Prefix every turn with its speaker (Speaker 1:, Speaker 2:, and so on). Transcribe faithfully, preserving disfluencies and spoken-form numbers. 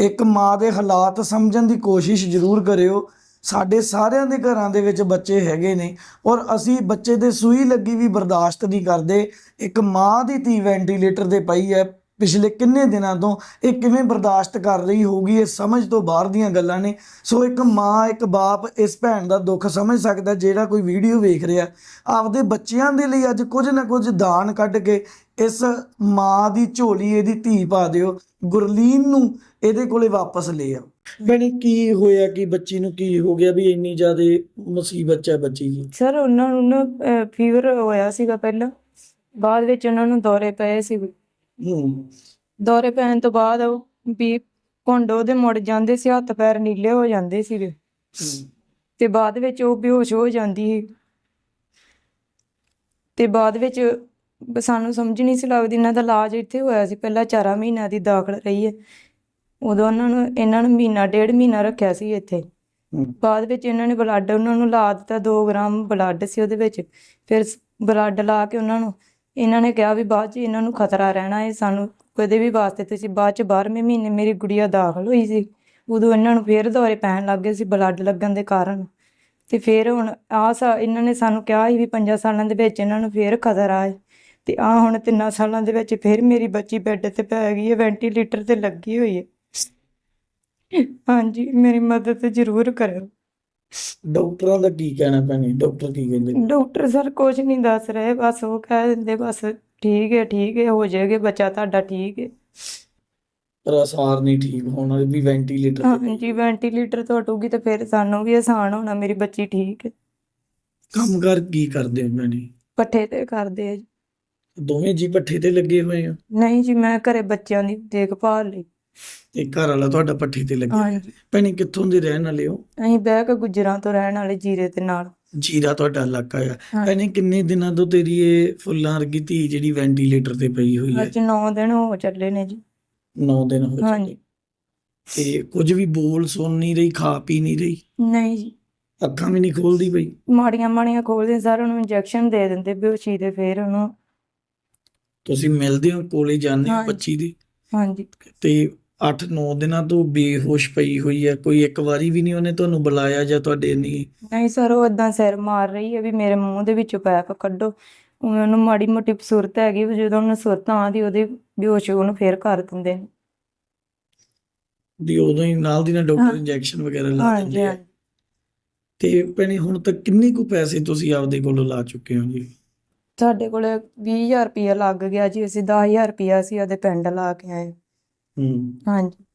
Speaker 1: ਇੱਕ ਮਾਂ ਦੇ ਹਾਲਾਤ ਸਮਝਣ ਦੀ ਕੋਸ਼ਿਸ਼ ਜ਼ਰੂਰ ਕਰਿਓ। ਸਾਡੇ ਸਾਰਿਆਂ ਦੇ ਘਰਾਂ ਦੇ ਵਿੱਚ ਬੱਚੇ ਹੈਗੇ ਨੇ ਔਰ ਅਸੀਂ ਬੱਚੇ ਦੇ ਸੂਈ ਲੱਗੀ ਵੀ ਬਰਦਾਸ਼ਤ ਨਹੀਂ ਕਰਦੇ। ਇੱਕ ਮਾਂ ਦੀ ਧੀ ਵੈਂਟੀਲੇਟਰ ਤੇ ਪਈ ਹੈ ਪਿਛਲੇ ਕਿੰਨੇ ਦਿਨਾਂ ਤੋਂ, ਇਹ ਕਿਵੇਂ ਬਰਦਾਸ਼ਤ ਕਰ ਰਹੀ ਹੋਊਗੀ, ਇਹ ਸਮਝ ਤੋਂ ਬਾਹਰ ਦੀਆਂ ਗੱਲਾਂ ਨੇ। ਸੋ ਇੱਕ ਮਾਂ ਇੱਕ ਬਾਪ ਇਸ ਭੈਣ ਦਾ ਦੁੱਖ ਸਮਝ ਸਕਦਾ ਜਿਹੜਾ ਕੋਈ ਵੀਡੀਓ ਵੇਖ ਰਿਹਾ। ਆਪਦੇ ਬੱਚਿਆਂ ਦੇ ਲਈ ਅੱਜ ਕੁਝ ਨਾ ਕੁਝ ਦਾਨ ਕੱਢ ਕੇ ਇਸ ਮਾਂ ਦੀ ਝੋਲੀ ਇਹਦੀ ਧੀ ਪਾ ਦਿਓ। ਗੁਰਲੀਨ ਨੂੰ ਇਹਦੇ ਕੋਲੇ ਵਾਪਸ ਲੈ ਆ। ਭੈਣੇ ਕੀ ਹੋਇਆ ਕਿ ਬੱਚੀ ਨੂੰ ਕੀ ਹੋ ਗਿਆ ਵੀ ਇੰਨੀ ਜ਼ਿਆਦਾ ਮੁਸੀਬਤ ਹੈ ਬੱਚੀ ਦੀ?
Speaker 2: ਸਰ ਉਹਨਾਂ ਨੂੰ ਨਾ ਫੀਵਰ ਹੋਇਆ ਸੀਗਾ ਪਹਿਲਾਂ, ਬਾਅਦ ਵਿੱਚ ਉਹਨਾਂ ਨੂੰ ਦੌਰੇ ਪਏ ਸੀ।
Speaker 1: ਹੂੰ
Speaker 2: ਦੌਰੇ ਪੈਣ ਤੋਂ ਬਾਅਦ ਉਹ ਵੀ ਘੁੰਡ ਉਹਦੇ ਮੁੜ ਜਾਂਦੇ ਸੀ, ਹੱਥ ਪੈਰ ਨੀਲੇ ਹੋ ਜਾਂਦੇ ਸੀਗੇ ਤੇ ਬਾਅਦ ਵਿੱਚ ਉਹ ਬੇਹੋਸ਼ ਹੋ ਜਾਂਦੀ ਸੀ। ਤੇ ਬਾਅਦ ਵਿੱਚ ਸਾਨੂੰ ਸਮਝ ਨਹੀਂ ਸੀ ਲੱਗਦੀ। ਇਹਨਾਂ ਦਾ ਇਲਾਜ ਇੱਥੇ ਹੋਇਆ ਸੀ, ਪਹਿਲਾਂ ਚਾਰਾਂ ਮਹੀਨਿਆਂ ਦੀ ਦਾਖਲ ਰਹੀ ਹੈ। ਉਦੋਂ ਉਹਨਾਂ ਨੂੰ ਇਹਨਾਂ ਨੂੰ ਮਹੀਨਾ ਡੇਢ ਮਹੀਨਾ ਰੱਖਿਆ ਸੀ ਇੱਥੇ। ਬਾਅਦ ਵਿੱਚ ਇਹਨਾਂ ਨੇ ਬਲੱਡ ਉਹਨਾਂ ਨੂੰ ਲਾ ਦਿੱਤਾ, ਦੋ ਗ੍ਰਾਮ ਬਲੱਡ ਸੀ ਉਹਦੇ ਵਿੱਚ। ਫਿਰ ਬਲੱਡ ਲਾ ਕੇ ਉਹਨਾਂ ਨੂੰ ਇਹਨਾਂ ਨੇ ਕਿਹਾ ਵੀ ਬਾਅਦ 'ਚ ਇਹਨਾਂ ਨੂੰ ਖਤਰਾ ਰਹਿਣਾ ਹੈ ਸਾਨੂੰ ਕਦੇ ਵੀ ਵਾਸਤੇ। ਤੁਸੀਂ ਬਾਅਦ 'ਚ ਬਾਰ੍ਹਵੇਂ ਮਹੀਨੇ ਮੇਰੀ ਗੁੜੀਆ ਦਾਖਲ ਹੋਈ ਸੀ, ਉਦੋਂ ਇਹਨਾਂ ਨੂੰ ਫਿਰ ਦੌਰੇ ਪੈਣ ਲੱਗ ਗਏ ਸੀ ਬਲੱਡ ਲੱਗਣ ਦੇ ਕਾਰਨ। ਤੇ ਫਿਰ ਹੁਣ ਆਹ ਸਾ ਇਹਨਾਂ ਨੇ ਸਾਨੂੰ ਕਿਹਾ ਸੀ ਵੀ ਪੰਜਾਂ ਸਾਲਾਂ ਦੇ ਵਿੱਚ ਇਹਨਾਂ ਨੂੰ ਫਿਰ ਖਤਰਾ ਹੈ। ਤੇ ਆਹ ਹੁਣ ਤਿੰਨਾਂ ਸਾਲਾਂ ਦੇ ਵਿੱਚ ਫਿਰ ਮੇਰੀ ਬੱਚੀ ਬੈੱਡ ਤੇ ਪੈ ਗਈ ਹੈ, ਵੈਂਟੀਲੇਟਰ ਤੇ ਲੱਗੀ ਹੋਈ ਹੈ। ਹਾਂਜੀ, ਮੇਰੀ ਮਦਦ ਜ਼ਰੂਰ ਕਰਿਓ।
Speaker 1: ਡਾਕਟਰਾਂ ਦਾ ਕੀ ਕਹਿਣਾ ਭੈਣੇ? ਡਾਕਟਰ ਕੀ ਕਹਿੰਦੇ?
Speaker 2: ਡਾਕਟਰ ਸਰ ਕੁਝ ਨਹੀਂ ਦੱਸ ਰਹੇ, ਬਸ ਉਹ ਕਹਿ ਦਿੰਦੇ ਬਸ ਠੀਕ ਹੈ ਠੀਕ ਹੈ ਹੋ ਜਾਏਗਾ ਬੱਚਾ ਤੁਹਾਡਾ, ਠੀਕ ਹੈ।
Speaker 1: ਪਰ ਅਸਾਰ ਨਹੀਂ ਠੀਕ ਹੋਣਾ ਵੀ ਵੈਂਟੀਲੇਟਰ ਤੇ?
Speaker 2: ਹਾਂਜੀ, ਵੈਂਟੀਲੇਟਰ ਤੋਂ ਹਟੂਗੀ ਤੇ ਫਿਰ ਸਾਨੂੰ ਵੀ ਆਸਾਨ ਹੋਣਾ, ਮੇਰੀ ਬੱਚੀ ਠੀਕ ਹੈ।
Speaker 1: ਕੰਮ ਕਰ ਕੀ ਕਰਦੇ ਹੋ ਭੈਣੇ?
Speaker 2: ਪੱਠੇ ਤੇ ਕਰਦੇ ਆ ਜੀ।
Speaker 1: ਦੋਵੇਂ ਜੀ ਪੱਠੇ ਤੇ ਲੱਗੇ ਹੋਏ ਆ?
Speaker 2: ਨਹੀਂ ਜੀ, ਮੈਂ ਘਰੇ ਬੱਚਿਆਂ ਦੀ ਦੇਖਭਾਲ ਲਈ।
Speaker 1: ਤੇ ਘਰ ਵਾਲਾ ਤੁਹਾਡਾ ਪੱਠੇ ਤੇ ਲੱਗਿਆ?
Speaker 2: ਹਾਂਜੀ,
Speaker 1: ਭੈਣੇ ਕਿੱਥੋਂ ਦੇ ਰਹਿਣ ਵਾਲੇ ਹੋ?
Speaker 2: ਅਸੀਂ ਬਹਿ ਕੇ ਗੁੱਜਰਾਂ ਤੋਂ ਰਹਿਣ ਵਾਲੇ, ਜੀਰੇ ਦੇ ਨਾਲ।
Speaker 1: ਜੀਰਾ ਤੁਹਾਡਾ ਇਲਾਕਾ ਆ।
Speaker 2: ਹਾਂ।
Speaker 1: ਭੈਣੇ ਕਿੰਨੇ ਦਿਨਾਂ ਤੋਂ ਤੇਰੀ ਇਹ ਫੁੱਲਾਂ ਵਰਗੀ ਧੀ ਜਿਹੜੀ ਵੈਂਟੀਲੇਟਰ ਤੇ ਪਈ ਹੋਈ ਹੈ?
Speaker 2: ਅੱਜ ਨੌ ਦਿਨ ਹੋ ਚੱਲੇ ਨੇ ਜੀ।
Speaker 1: ਨੌ ਦਿਨ ਹੋ
Speaker 2: ਹਾਂਜੀ।
Speaker 1: ਚੱਲੇ। ਤੇ ਕੁਝ ਵੀ ਬੋਲ ਸੁਣ ਨਹੀਂ ਰਹੀ, ਖਾ ਪੀ ਨਹੀਂ ਰਹੀ?
Speaker 2: ਨਹੀਂ ਜੀ,
Speaker 1: ਅੱਖਾਂ ਵੀ ਨਹੀਂ ਖੋਲਦੀ ਪਈ?
Speaker 2: ਮਾੜੀਆਂ ਮਾੜੀਆਂ ਖੋਲਦੇ ਸਰ, ਉਹਨੂੰ ਇੰਜੈਕਸ਼ਨ ਦੇ ਦਿੰਦੇ ਬੇਹੋਸ਼ੀ ਦੇ, ਫਿਰ ਉਹਨੂੰ।
Speaker 1: ਤੁਸੀਂ ਮਿਲਦੇ ਹੋ, ਕੋਲੇ ਜਾਂਦੇ ਹੋ
Speaker 2: ਹਾਂਜੀ।
Speaker 1: ਬੱਚੀ ਦੀ?
Speaker 2: ਹਾਂਜੀ।
Speaker 1: ਤੇ ਅੱਠ ਨੌ ਦਿਨਾਂ ਤੋਂ ਬੇਹੋਸ਼ ਪਈ ਹੋਈ ਹੈ, ਕੋਈ ਇੱਕ ਵਾਰੀ ਵੀ ਨਹੀਂ ਉਹਨੇ ਤੁਹਾਨੂੰ ਬੁਲਾਇਆ ਜਾਂ ਤੁਹਾਡੇ ਨਹੀਂ?
Speaker 2: ਨਹੀਂ ਸਰ, ਉਹ ਏਦਾਂ ਸਿਰ ਮਾਰ ਰਹੀ ਹੈ ਵੀ ਮੇਰੇ ਮੂੰਹ ਦੇ ਵਿੱਚੋਂ ਪੈਪ ਕੱਢੋ। ਉਹਨੂੰ ਮਾੜੀ ਮੋਟੀ ਸੁਰਤ ਹੈਗੀ, ਜਦੋਂ ਉਹਨੂੰ ਸੁਰਤ ਆਉਂਦੀ ਉਹਦੇ ਬੇਹੋਸ਼ ਉਹਨੂੰ ਫਿਰ ਕਰ ਦਿੰਦੇ ਨੇ।
Speaker 1: ਵੀ ਉਦੋਂ ਹੀ ਨਾਲ ਦੀ ਨਾਲ ਡਾਕਟਰ
Speaker 2: ਹਾਂ।
Speaker 1: ਇੰਜੈਕਸ਼ਨ ਵਗੈਰਾ ਲਾ
Speaker 2: ਹਾਂਜੀ
Speaker 1: ਦਿੰਦੇ ਆ?
Speaker 2: ਹਾਂਜੀ।
Speaker 1: ਤੇ ਭੈਣੇ ਹੁਣ ਤੱਕ ਕਿੰਨੇ ਕੁ ਪੈਸੇ ਤੁਸੀਂ ਆਪਦੇ ਕੋਲੋਂ ਲਾ ਚੁੱਕੇ ਹੋ ਜੀ?
Speaker 2: ਸਾਡੇ ਕੋਲ ਵੀਹ ਹਜ਼ਾਰ ਰੁਪਇਆ ਲੱਗ ਗਿਆ ਜੀ, ਅਸੀਂ ਦਸ ਹਜ਼ਾਰ ਰੁਪਇਆ ਅਸੀਂ ਉਹਦੇ ਪਿੰਡ ਲਾ ਕੇ ਆਏ।
Speaker 1: ਹੂੰ
Speaker 2: ਹਾਂਜੀ।